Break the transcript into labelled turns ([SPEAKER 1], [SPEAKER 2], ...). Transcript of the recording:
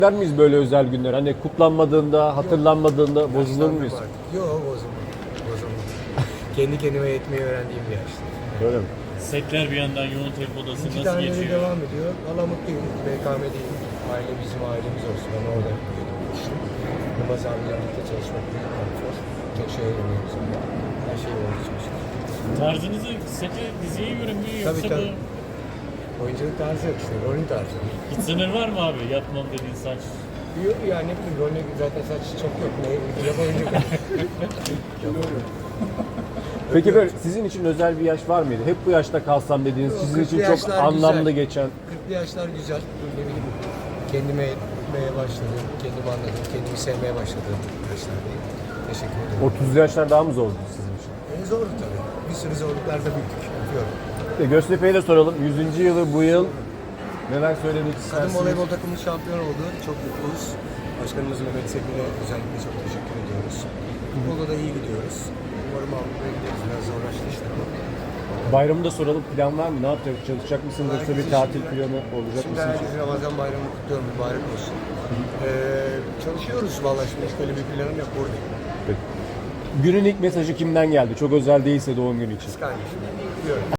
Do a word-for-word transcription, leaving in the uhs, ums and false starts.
[SPEAKER 1] Der miyiz böyle özel günler? Hani kutlanmadığında, hatırlanmadığında bozulur muyuz?
[SPEAKER 2] Yok bozulmam. Bozulmam. Kendi kendime yetmeyi öğrendiğim bir yaşta.
[SPEAKER 1] Öyle mi?
[SPEAKER 3] Setler bir yandan yoğun tempodasın.
[SPEAKER 2] İki
[SPEAKER 3] Nasıl
[SPEAKER 2] tane de
[SPEAKER 3] geçiyor?
[SPEAKER 2] devam ediyor. Valla mutluyum. B K M değil. Aile bizim ailemiz olsun. Ben orada büyüdüm. Yılmaz abiyle birlikte çalışmak büyük konfor. Çok şey öğreniyoruz. Her şey oldu çok şükür.
[SPEAKER 3] Tarzınızı sete, diziye göre mi yoksa
[SPEAKER 2] Tabii, tabii.
[SPEAKER 3] bu
[SPEAKER 2] Oyunculuk tarzı yok işte. Rolün tarzı.
[SPEAKER 3] hiç sınır var mı abi? Yapmam dediğin saç.
[SPEAKER 2] Yok yani ne bileyim rolüne zaten saç çok yok. Ne yapabilecek?
[SPEAKER 1] Peki böyle sizin için özel bir yaş var mıydı? Hep bu yaşta kalsam dediğiniz,
[SPEAKER 2] Yok,
[SPEAKER 1] sizin için
[SPEAKER 2] kırklı
[SPEAKER 1] çok
[SPEAKER 2] yaşlar
[SPEAKER 1] anlamlı
[SPEAKER 2] güzel.
[SPEAKER 1] geçen.
[SPEAKER 2] kırklı yaşlar güzel. Ne bileyim kendime etmeye başladım. Kendimi anladım. Kendimi sevmeye başladım. Yaşlardayım. Teşekkür ederim.
[SPEAKER 1] otuzlu yaşlar daha mı zordu sizin için?
[SPEAKER 2] En zordu tabii. Bir sürü zorluklarda büyüdük. Yapıyorum.
[SPEAKER 1] E, Göztepe'ye de soralım. yüzüncü yılı bu yıl neler söylemek
[SPEAKER 2] Kadın
[SPEAKER 1] istersiniz?
[SPEAKER 2] voleybol takımımız şampiyon oldu. Çok mutluyuz. Başkanımız Mehmet Sekin'e özellikle çok teşekkür ediyoruz. Futbolda da iyi gidiyoruz. Umarım Avrupa'ya gideriz. Biraz zorlaştı işte ama.
[SPEAKER 1] Bayramı da soralım. Plan var mı? Ne yapacak? Çalışacak mısınız? Yoksa bir
[SPEAKER 2] Herkese
[SPEAKER 1] tatil
[SPEAKER 2] şimdi-
[SPEAKER 1] planı olacak
[SPEAKER 2] Şimdi
[SPEAKER 1] mısınız?
[SPEAKER 2] herkese Ramazan bayramı kutluyorum. Mübarek olsun. Ee, çalışıyoruz vallahi şimdi. Hiç böyle bir planım yok. Buradayım.
[SPEAKER 1] Peki. Günün ilk mesajı kimden geldi? Çok özel değilse doğum günü için.
[SPEAKER 2] Kız kardeşim. Biliyorum.